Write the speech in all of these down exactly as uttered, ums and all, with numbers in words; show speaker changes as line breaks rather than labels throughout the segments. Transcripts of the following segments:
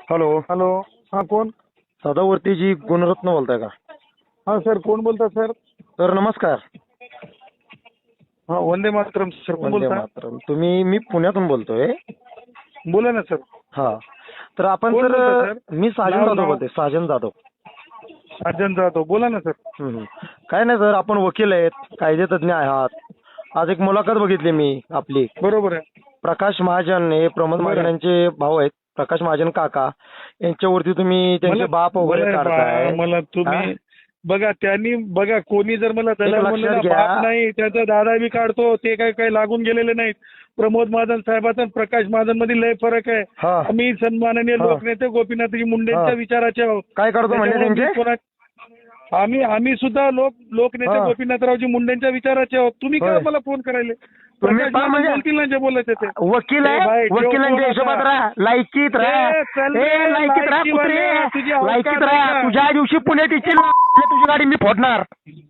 Hello.
Hello. हा कोण?
सदावर्तीजी गुणरत्न बोलताय का?
हा सर, कोण बोलता सर?
तर नमस्कार.
हा, वंदे मातरम सर, कोण
वंदे
बोलता?
मातरम. तुम्ही मी पुण्यातून बोलतोय.
बोला ना सर.
हा, तर आपण
कोण बोलता
तर
सर?
मी साजन
नाव-
जाधव
नाव?
बोलतोय. साजन जाधव.
साजन जाधव, बोला ना सर.
हम्म, हम्म. काय नाही सर, आपण वकील आहेत, कायदेतज्ञ आहात. आज एक मुलाखत बघितली मी आपली.
बरोबर आहे.
प्रकाश महाजन हे प्रमोद
बरं.
महाजन यांचे भाऊ आहेत. प्रकाश महाजन काका यांच्यावरती तुम्ही त्यांचे
मला-
बाप वगैरे
मला
काढताय.
बा- मला तुम्ही बघा, त्यांनी बघा, कोणी जर मला दलाल
लक्षात
म्हणलं ना,
घ्या.
बाप नाही, त्याचा दादा बी काढतो, ते काय काय लागून गेलेले नाहीत. प्रमोद महाजन साहेबाचा आणि प्रकाश महाजन मध्ये लय फरक आहे.
हा.
आम्ही सन्माननीय
हा.
लोकनेते गोपीनाथजी मुंडेंच्या
हा.
विचाराचे आहोत.
काय करतो म्हणजे
त्याच्यामुळे
त्यांचे?
मी कोणा- आम्ही आम्ही सुद्धा लोक लोकनेते
हा.
गोपीनाथरावजी मुंडेंच्या विचाराचे आहोत. तुम्ही
होय.
काय मला फोन करायले?
तुम्ही
प्रकाश
पहा
महाजन
म्हणजे-
बोलतील ना जे बोलायचे ते.
वकील
ए भाई,
आहे,
ठेव
वकिलांच्या
फोन
हिशोबात
आता.
राहा, लायकीत राहा,
ए, चल
ए
रे,
लायकीत राहा
लायकी
कुत्रे,
वाल्या, तुझी अवकात
लायकीत
नाही
राहा.
का?
तुझ्या दिवशी पुण्यात येशील ना, तुझी गाडी मी फोडणार.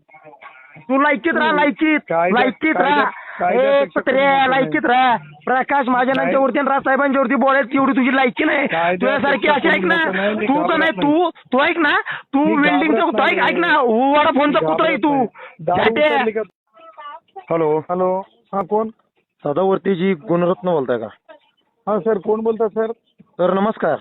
तू लायकीत राहा, लायकीत
कायद्या-
लायकीत
कायद्या-
राहा. ए
कायद्यापेक्षा
पत्रे,
कोणी मोठं नाही.
लायकीत राहा. प्रकाश महाजनांच्या वरती आणि राजसाहेबांच्या वरती बोलायची एवढी तुझी लायकी नाही.
कायद्यापेक्षा
तुझ्यासारखी अशी ऐक ना,
कोणी मोठं नाही, मी
तू का नाही,
घाबरत
तू तू ऐक ना, तू
मी
वेल्डिंगचा
घाबरत
तू ऐक
नाही.
ऐक ना, वडाफोनचा कुत्रा आहे तू.
दारू
झाट्या.
उचलली का?
हॅलो.
हॅलो. हा कोण?
सदावर्तीजी गुणरत्न बोलताय का?
हा सर, कोण बोलता सर?
तर नमस्कार.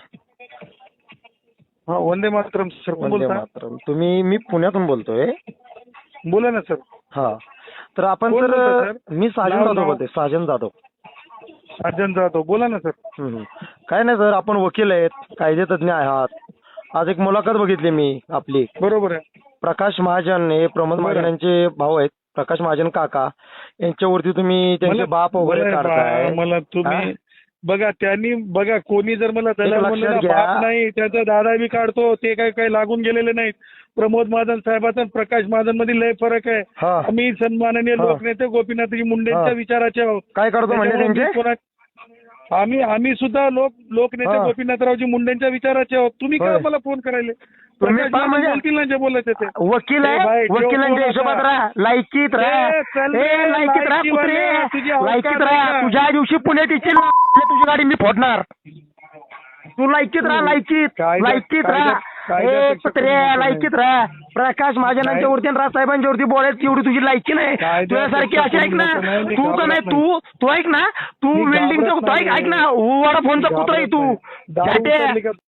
हा, वंदे मातरम सर, कोण
वंदे
बोलता?
मातरम. तुम्ही मी पुण्यातून बोलतोय.
बोला ना सर.
हा, तर आपण
कोण
तर
बोलता, सर?
मी साजन
नाव-
जाधव
नाव?
बोलतोय. साजन जाधव.
साजन जाधव, बोला ना सर.
हम्म, हम्म. काय नाही सर, आपण वकील आहेत, कायदेतज्ञ आहात. आज एक मुलाखत बघितली मी आपली.
बरोबर आहे.
प्रकाश महाजन हे प्रमोद
बरं.
महाजन यांचे भाऊ आहेत. प्रकाश महाजन काका यांच्यावरती तुम्ही त्यांचे
मला-
बाप वगैरे
मला
काढताय.
बा- मला तुम्ही बघा, त्यांनी बघा, कोणी जर मला दलाल
लक्षात
म्हणलं ना,
घ्या.
बाप नाही, त्याचा दादा बी काढतो, ते काय काय लागून गेलेले नाहीत. प्रमोद महाजन साहेबाचा आणि प्रकाश महाजन मध्ये लय फरक आहे.
हा.
आम्ही सन्माननीय
हा.
लोकनेते गोपीनाथजी मुंडेंच्या
हा.
विचाराचे आहोत.
काय करतो म्हणजे
त्याच्यामुळे मी
त्यांचे?
कोणा- आम्ही आम्ही सुद्धा लोक लोकनेते
हा.
गोपीनाथरावजी मुंडेंच्या विचाराचे आहोत. तुम्ही काय
होय.
मला फोन करायले?
तुम्ही
प्रकाश
पहा
महाजन
म्हणजे-
बोलतील ना जे बोलायचे ते.
वकील
ए भाई,
आहे,
ठेव
वकिलांच्या
फोन
हिशोबात
आता.
राहा, लायकीत राहा.
ए, चल
ए
रे,
लायकीत राहा
लायकी
कुत्रे,
वाल्या, तुझी अवकात
लायकीत
नाही
राहा.
का?
तुझ्या दिवशी पुण्यात येशील ना, तुझी गाडी मी फोडणार. तू लायकीत राहा, लायकीत
कायद्या-
लायकीत राहा.
कायद्या-
ए
कायद्यापेक्षा
पत्रे,
कोणी मोठं नाही.
लायकीत राहा. प्रकाश महाजनांच्या वरती आणि राजसाहेबांच्या वरती बोलायची एवढी तुझी लायकी नाही.
कायद्यापेक्षा
तुझ्यासारखी अशी ऐक ना,
कोणी मोठं नाही, मी
तू का
घाबरत
नाही,
नाही.
तू तू ऐक ना, तू
मी
वेल्डिंगचा
घाबरत
तू ऐक
नाही.
ऐक ना, वडाफोनचा कुत्रा आहे तू.
दारू
झाट्या.
उचलली का?